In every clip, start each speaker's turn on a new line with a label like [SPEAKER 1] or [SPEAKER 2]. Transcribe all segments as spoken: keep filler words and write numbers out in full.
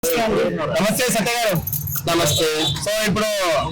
[SPEAKER 1] నమస్తే సత్య గారు.
[SPEAKER 2] నమస్తే.
[SPEAKER 1] సో ఇప్పుడు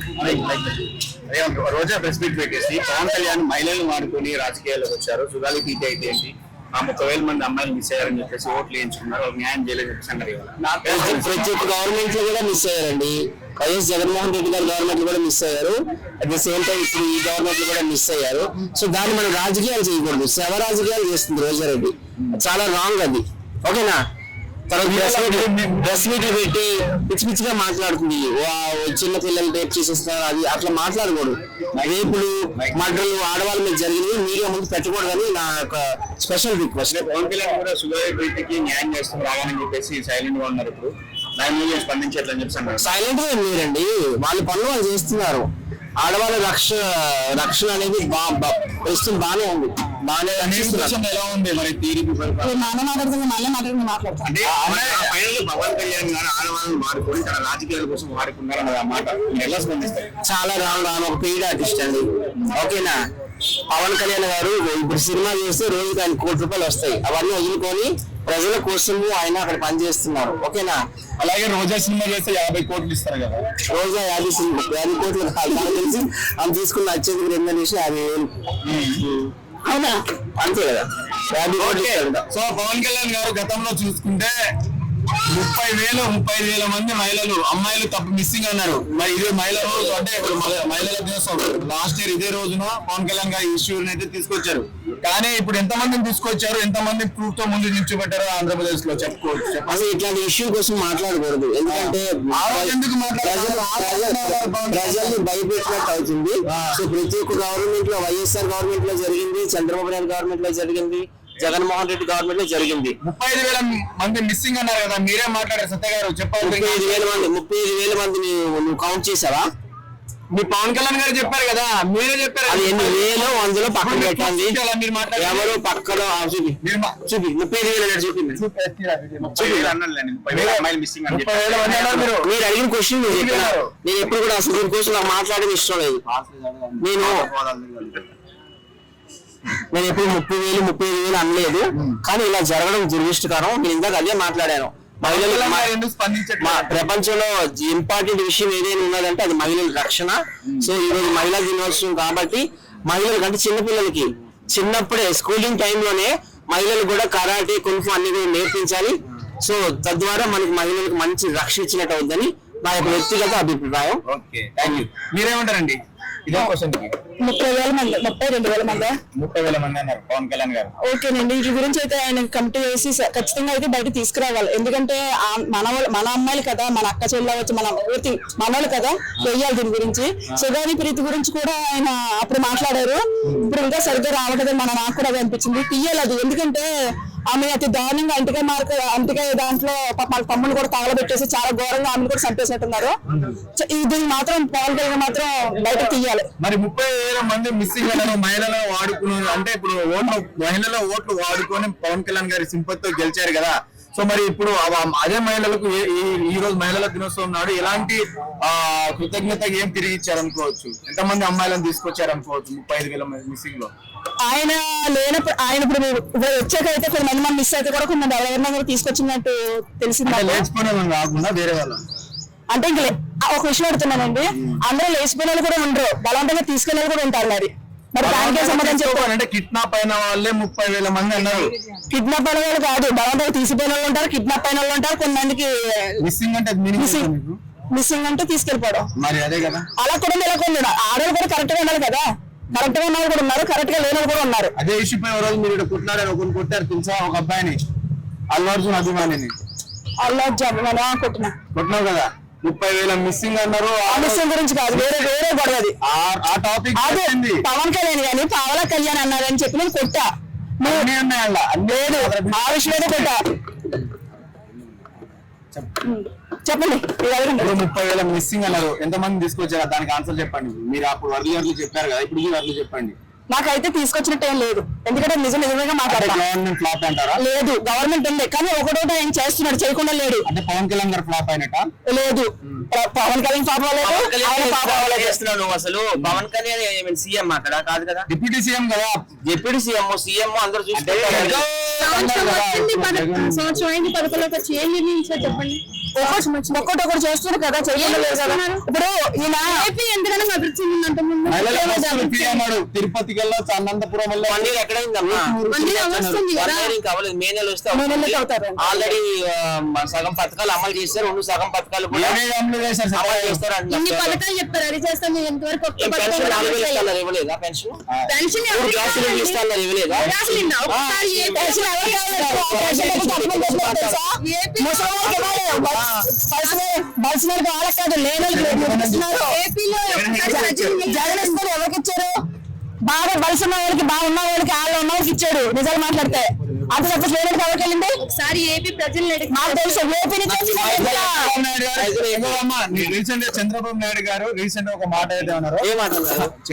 [SPEAKER 1] రోజా ప్రెస్ మీట్ పెట్టేసి పవన్ కళ్యాణ్ మహిళలు వాడుకొని రాజకీయాల్లోకి వచ్చారు. సుగాలి పీటీ అయితే ఏంటి ఆ ముప్పై వేల మంది అమ్మాయిలు మిస్ అయ్యారని చెప్పేసి ఓట్లు వేయించుకున్నారు. న్యాయం చేయలేదు చెప్పేసి
[SPEAKER 2] ప్రతి ఒక్క గవర్నమెంట్ లో కూడా మిస్ అయ్యారండి. వైఎస్ జగన్మోహన్ రెడ్డి గారి గవర్నమెంట్ కూడా మిస్ అయ్యారు. అట్ ద సేమ్ టైం ఇప్పుడు ఈ గవర్నమెంట్ కూడా మిస్ అయ్యారు. సో దాన్ని మనం రాజకీయాలు చేయకూడదు. శవ రాజకీయాలు చేస్తుంది రోజారెడ్డి. చాలా రాంగ్ అది. ఓకేనా? డ్రెస్ మీట్లు పెట్టి పిచ్చి పిచ్చిగా మాట్లాడుతుంది. చిన్న పిల్లలు రేపు చేసేస్తున్నారు, అది అట్లా మాట్లాడకూడదు. రేపులు మర్డర్లు ఆడవాళ్ళ మీద జరిగినవి మీడియా ముందు పెట్టకూడదని నా యొక్క స్పెషల్ రిక్వెస్ట్.
[SPEAKER 1] పవన్ కళ్యాణ్ కూడా సుగాలి ప్రీతికి న్యాయం చేస్తూ రావాలని చెప్పేసి సైలెంట్ గా ఉన్నారు. ఇప్పుడు దాని మీద స్పందించట్లని చెప్పి
[SPEAKER 2] సైలెంట్ గా లేరండి, వాళ్ళ పనులు వాళ్ళు చేస్తున్నారు. ఆడవాళ్ళ రక్ష రక్షణ అనేది ప్రస్తుతం బాగానే ఉంది. బాగానే
[SPEAKER 1] ఎలా ఉంది మరి తీరిపి
[SPEAKER 2] అంటే
[SPEAKER 1] పవన్ కళ్యాణ్ గారు ఆడవాళ్ళని వాడుకొని తన రాజకీయాల కోసం వాడుకున్నారు ఆ మాట ఎలా స్పందిస్తారు?
[SPEAKER 2] చాలా రాను రాను ఒక పెయిడ్ ఆర్టిస్ట్ అండి. ఓకేనా? పవన్ కళ్యాణ్ గారు ఇప్పుడు సినిమా చేస్తే రోజుకి ఆయన కోటి రూపాయలు వస్తాయి. అవన్నీ వదులుకొని ప్రజల కోసము ఆయన అక్కడ పనిచేస్తున్నారు. ఓకేనా?
[SPEAKER 1] అలాగే రోజా సినిమా చేస్తే యాభై కోట్లు ఇస్తారు కదా.
[SPEAKER 2] రోజా యాభై సినిమా యాభై కోట్లు తెలిసి ఆమె తీసుకున్న వచ్చేందుకు రెండు నిమిషం యాభై వేలు. అవునా? అంతే కదా, యాభై కోట్లు.
[SPEAKER 1] సో పవన్ కళ్యాణ్ గారు గతంలో చూసుకుంటే ముప్పై వేలు ముప్పై ఐదు వేల మంది మహిళలు అమ్మాయిలు తప్ప మిస్సింగ్ అన్నారు. మరి ఇదే మహిళ రోజు అంటే ఇప్పుడు మహిళల దినోత్సవం లాస్ట్ ఇయర్ ఇదే రోజున పవన్ కళ్యాణ్ గారు ఇష్యూని అయితే తీసుకొచ్చారు. కానీ ఇప్పుడు ఎంత మందిని తీసుకొచ్చారు, ఎంత మంది ప్రూఫ్ తో ముందు నిల్చోబెట్టారో ఆంధ్రప్రదేశ్ లో చెప్పుకోవచ్చు.
[SPEAKER 2] అసలు ఇట్లాంటి ఇష్యూ కోసం మాట్లాడకూడదు. ఎందుకంటే
[SPEAKER 1] ఎందుకు
[SPEAKER 2] ప్రజల్ని భయపెట్టినట్టు అవుతుంది. సో ప్రతి ఒక్క గవర్నమెంట్ లో వైఎస్ఆర్ గవర్నమెంట్ లో జరిగింది, చంద్రబాబు నాయుడు గవర్నమెంట్ లో జరిగింది, జగన్మోహన్ రెడ్డి గవర్నమెంట్ లో జరిగింది.
[SPEAKER 1] ముప్పై ఐదు వేల మంది మిస్సింగ్ అన్నారు కదా, మీరే మాట్లాడారు సత్య గారు. చెప్పాలి.
[SPEAKER 2] ముప్పై ఐదు వేల మంది ముప్పై ఐదు వేల మందిని నువ్వు కౌంట్ చేసావా?
[SPEAKER 1] మీ పవన్ కళ్యాణ్ గారు చెప్పారు కదా, మీరే చెప్పారు.
[SPEAKER 2] అది ఎన్ని వేలు వందలో పక్కన పెట్టండి.
[SPEAKER 1] మీరు
[SPEAKER 2] ఎవరు పక్కన చూపి చూపి ముప్పై ఐదు వేలు చూపింది. మీరు అడిగిన క్వశ్చన్ మీరు చెప్పినారు. నేను ఎప్పుడు కూడా అసలు దీనికోసం నాకు మాట్లాడేది ఇష్టం లేదు. నేను నేను ఎప్పుడు ముప్పై వేలు ముప్పై ఐదు వేలు అనలేదు. కానీ ఇలా జరగడం దురదృష్టకరం. నేను ఇందాక అదే మాట్లాడాను. ప్రపంచంలో ఇంపార్టెంట్ విషయం ఏదైనా ఉన్నదంటే అది మహిళల రక్షణ. సో ఈ రోజు మహిళా దినోత్సవం కాబట్టి మహిళలకు అంటే చిన్నపిల్లలకి చిన్నప్పుడే స్కూలింగ్ టైంలోనే మహిళలు కూడా కరాటే కున్ఫు అన్ని కూడా నేర్పించాలి. సో తద్వారా మనకి మహిళలకు మంచి రక్షణ ఇచ్చినట్టు అవుతుందని నా యొక్క వ్యక్తిగత అభిప్రాయం.
[SPEAKER 1] మీరేమంటారండి?
[SPEAKER 3] ముప్పై వేల మంది ముప్పై రెండు వేల మంది
[SPEAKER 1] ముప్పై వేల మంది అన్నారు పవన్ కళ్యాణ్ గారు.
[SPEAKER 3] ఓకేనండి, వీటి గురించి అయితే ఆయన కమిటీ వేసి ఖచ్చితంగా అయితే బయట తీసుకురావాలి. ఎందుకంటే మన మన అమ్మాయిలు కదా, మన అక్క చెల్లె వచ్చి మన పూర్తి మనోళ్ళు కదా, వెయ్యాలి దీని గురించి. సుగాలి ప్రీతి గురించి కూడా ఆయన అప్పుడు మాట్లాడారు. ఇప్పుడు ఇంకా సరిగ్గా రావట్లేదు. మన నాకు కూడా అది అనిపించింది. తీయాలి అది. ఎందుకంటే ఆమె అతి దారుణంగా అంటికే మార్క అంటికే దాంట్లో వాళ్ళ తమ్ముళ్ళు కూడా తగలబెట్టేసి చాలా ఘోరంగా ఆమెను కూడా చంపేసినట్టున్నారు. ఇది మాత్రం పవన్ కళ్యాణ్ మాత్రం బయట తీయాలి.
[SPEAKER 1] మరి ముప్పై వేల మంది మిస్సింగ్ అయిన మహిళలు వాడుకున్నారు అంటే ఇప్పుడు ఓట్లు మహిళల ఓట్లు వాడుకొని పవన్ కళ్యాణ్ గారి సింపతితో గెలిచారు కదా. సో మరి ఇప్పుడు అదే మహిళలకు ఈ రోజు మహిళల దినోత్సవం నాడు ఎలాంటి ఆ కృతజ్ఞత ఏం తిరిగి ఇచ్చారనుకోవచ్చు? ఎంతమంది అమ్మాయిలను తీసుకొచ్చారనుకోవచ్చు ముప్పై ఐదు వేల మిస్సింగ్ లో?
[SPEAKER 3] ఆయన లేనప్పుడు ఆయన ఇప్పుడు వచ్చాక అయితే కొన్ని మంది మంది మిస్ అయితే కూడా కొన్ని ఎవరైనా కూడా తీసుకొచ్చినట్టు తెలిసింది.
[SPEAKER 1] కాకుండా వేరే వాళ్ళు
[SPEAKER 3] అంటే ఇంకా ఒక విషయం అడుగుతున్నానండి, అందరూ లేచిపోయిన వాళ్ళు కూడా ఉండరు, బలవంతంగా తీసుకెళ్ళి కూడా ఉంటారు. మరి మరి దానికే సమాధానం చెప్పాలంటే
[SPEAKER 1] కిడ్నాప్ అయిన వాళ్ళే ముప్పై వేల మంది అన్నారు.
[SPEAKER 3] కిడ్నాప్ అయిన వాళ్ళు కాదు, బలవంతంగా తీసిపోయిన వాళ్ళు ఉంటారు, కిడ్నాప్ అయిన వాళ్ళు ఉంటారు. కొంతమందికి
[SPEAKER 1] మిస్సింగ్ అంటే
[SPEAKER 3] మిస్సింగ్ అంటే తీసుకెళ్ళిపోవడం.
[SPEAKER 1] మరి అదే కదా,
[SPEAKER 3] అలా కూడా ఇలా కొన్ని ఆడవాళ్ళు కూడా కరెక్ట్ గా ఉండాలి కదా. కరెక్ట్ గా ఉన్న వాళ్ళు కూడా ఉన్నారు, కరెక్ట్ గా లేని వాళ్ళు కూడా ఉన్నారు.
[SPEAKER 1] అదే ఇష్యూ పై రోజు మీరు కొట్లాడారు, ఒకరు కొట్టారు తెలుసా? ఒక అబ్బాయిని, అల్లు అర్జున్ అభిమానిని.
[SPEAKER 3] అల్లు అర్జున్ అభిమాని కొట్టినా
[SPEAKER 1] కొట్టినావు కదా. ముప్పై వేల మిస్సింగ్ అన్నారు.
[SPEAKER 3] ఆ మిస్సింగ్ గురించి కాదు, వేరే వేరే గొడవది.
[SPEAKER 1] ఆ టాపిక్
[SPEAKER 3] పవన్ కళ్యాణ్ గాని పవన్ కళ్యాణ్ అన్నారని చెప్పి నేను కొట్టా. లేదు, ఆ విషయం కొట్టా. చెప్పండి.
[SPEAKER 1] ముప్పై వేల మిస్సింగ్ అన్నారు, ఎంతమంది తీసుకొచ్చారా? దానికి ఆన్సర్ చెప్పండి. మీరు అప్పుడు వర్లీ వర్లీ చెప్పారు కదా, ఇప్పుడు ఈ వర్లీ చెప్పండి.
[SPEAKER 3] నాకైతే తీసుకొచ్చినట్టు ఏం లేదు. ఎందుకంటే నిజం నిజంగా మాట్లాడారు.
[SPEAKER 1] గవర్నమెంట్ ఫ్లాప్ అంటారా?
[SPEAKER 3] లేదు, గవర్నమెంట్ ఉంది, కానీ ఒకటోట ఆయన చేస్తున్నాడు, చేయకుండా లేడు.
[SPEAKER 1] అంటే పవన్ కళ్యాణ్ గారు ఫ్లాప్ అయినట్ట?
[SPEAKER 3] లేదు, పవన్ కళ్యాణ్ ఫ్లాప్ అవ్వలేదు.
[SPEAKER 2] చేస్తున్నాడు అసలు పవన్ కళ్యాణ్ సీఎం అక్కడ కాదు కదా,
[SPEAKER 1] డిప్యూటీ సీఎం కదా.
[SPEAKER 2] డిప్యూటీ సీఎం సీఎం అందరూ చూసుకుంటారు.
[SPEAKER 3] సంవత్సరం అయింది, పథకంలోకి వచ్చి ఏం నిర్ణయించారు చెప్పండి. ఒక్కటి ఒకటి చేస్తున్నారు కదా, చేయలేదు కదా. ఇప్పుడు ఈయన ఏపీ ఎందుకని అభివృద్ధి చెందిందంటే
[SPEAKER 1] మహిళల బస్సులు ఫ్రీ అన్నాడు. తిరుపతికి వెళ్ళొచ్చు, అనంతపురం వెళ్ళొచ్చు.
[SPEAKER 2] వన్ ఇయర్ ఎక్కడైందమ్మా? ఇంకా అవ్వలేదు. మే నెల వస్తే ఆల్రెడీ సగం పథకాలు అమలు చేస్తారు, రెండు సగం పథకాలు కూడా
[SPEAKER 1] ఏమేమి అమలు చేశారు సార్?
[SPEAKER 2] అమలు చేస్తారు
[SPEAKER 3] ఇన్ని
[SPEAKER 2] అంటున్నారు.
[SPEAKER 3] పథకాలు చెప్తారు, అది చేస్తాం ఎంతవరకు ఒక్క పథకం
[SPEAKER 2] పెన్షన్
[SPEAKER 3] కూడా
[SPEAKER 2] నాలుగు వేలు
[SPEAKER 3] అమలు
[SPEAKER 2] ఇస్తాన్నారు, ఇవ్వలేదా పెన్షన్?
[SPEAKER 3] పెన్షన్
[SPEAKER 2] మూడు
[SPEAKER 3] ఎవరికి
[SPEAKER 2] గ్యాస్ సిలిండర్లు
[SPEAKER 3] కావాలి?
[SPEAKER 2] ఇస్తాన్నారు, ఇవ్వలేదా?
[SPEAKER 3] అసలు నిన్న ఒక్కసారి ఏ పెన్షన్ ఎవరికి కావాలి? పెన్షన్ ఎవరికి అమలు చేస్తున్నారు తెలుసా? ముసలి వాళ్ళకి ఇవ్వాలి. బలిసిన- బలిసిన వాళ్ళకి వాళ్ళకి కాదు, లేని వాళ్ళకి లేదు ఇస్తున్నారు. జగన్ ఇస్తారు, ఎవరికి ఇచ్చారు? బాగా బలిసిన వాళ్ళకి, బాగున్న వాళ్ళకి, వాళ్ళు ఉన్న వాళ్ళకి ఇచ్చాడు. నిజాలు మాట్లాడితే అంత తప్ప లేని ఎవరికి వెళ్ళింది? ఒకసారి ఏపీ ప్రజలు నాకు తెలుసు, ఏపీ నుంచి
[SPEAKER 1] చంద్రబాబు నాయుడు గారు, ఇంకో అమ్మ, రీసెంట్ గా చంద్రబాబు నాయుడు గారు రీసెంట్ గా ఒక మాట అయితే అన్నారు.
[SPEAKER 2] ఏమంటున్నారు?